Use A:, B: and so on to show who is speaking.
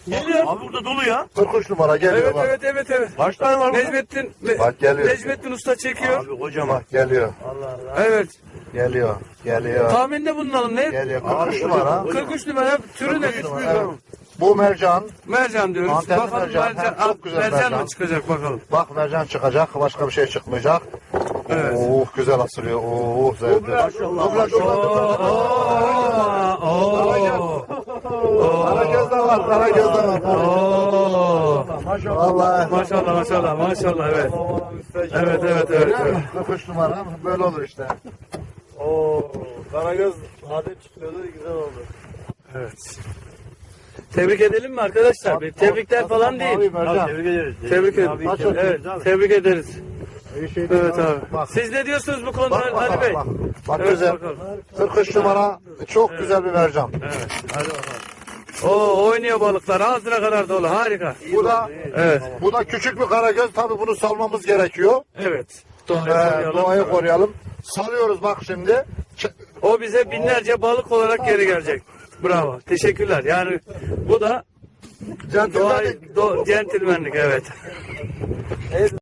A: Geliyor.
B: Abi burada dolu ya.
C: 43 numara geliyor
A: Evet,
C: bak.
A: evet, evet, evet.
B: Kaç tane var burada?
A: Necmettin,
C: Bak geliyor.
A: Necmettin Usta çekiyor.
B: Abi kocaman.
C: Bak geliyor.
A: Evet.
C: Geliyor. Geliyor.
A: Tahminde bulunalım. Ne?
C: Geliyor. 43 numara.
A: 43 numara. Türü ne?
C: Evet. Bu mercan.
A: Mercan diyoruz.
C: Antenli
A: Bakalım
C: mercan. Hem çok güzel
A: mercan
C: mercan.
A: mı çıkacak bakalım.
C: Bak mercan çıkacak. Başka bir şey çıkmayacak.
A: Evet.
C: Oh güzel asılıyor. Oh zevkli.
B: Maşallah.
C: Karagöz de var. Karagöz de var. Vallahi.
A: Maşallah, maşallah, maşallah, evet. Evet, evet, evet. Evet.
C: 43 numara böyle olur işte.
D: Oo, Karagöz adet çıkıyordu, güzel oldu.
A: Evet. Tebrik edelim mi arkadaşlar? Tebrikler falan değil.
C: Mavi mercan.
B: Tebrik ederiz.
A: Tebrik ederiz. Evet, tebrik ederiz.
C: İyi şey değil
A: Evet abi.
C: Bak.
A: Siz ne diyorsunuz bu konuda
C: Bak bak
A: Ali
C: bak.
A: Bey?
C: Bak, bak
A: Evet,
C: güzel.
A: bakalım.
C: 43 numara çok güzel bir mercan.
A: Evet, hadi bakalım. Oo, oynuyor balıklar. Ağzına kadar dolu. Harika.
C: Bu da
A: Evet,
C: bu da küçük bir karagöz. Tabii bunu salmamız gerekiyor.
A: evet. Doğayı koruyalım.
C: Doğayı koruyalım. Salıyoruz bak şimdi.
A: O bize binlerce balık olarak geri gelecek. Bravo. Teşekkürler. Yani bu da
C: Centilmenlik.
A: centilmenlik, evet.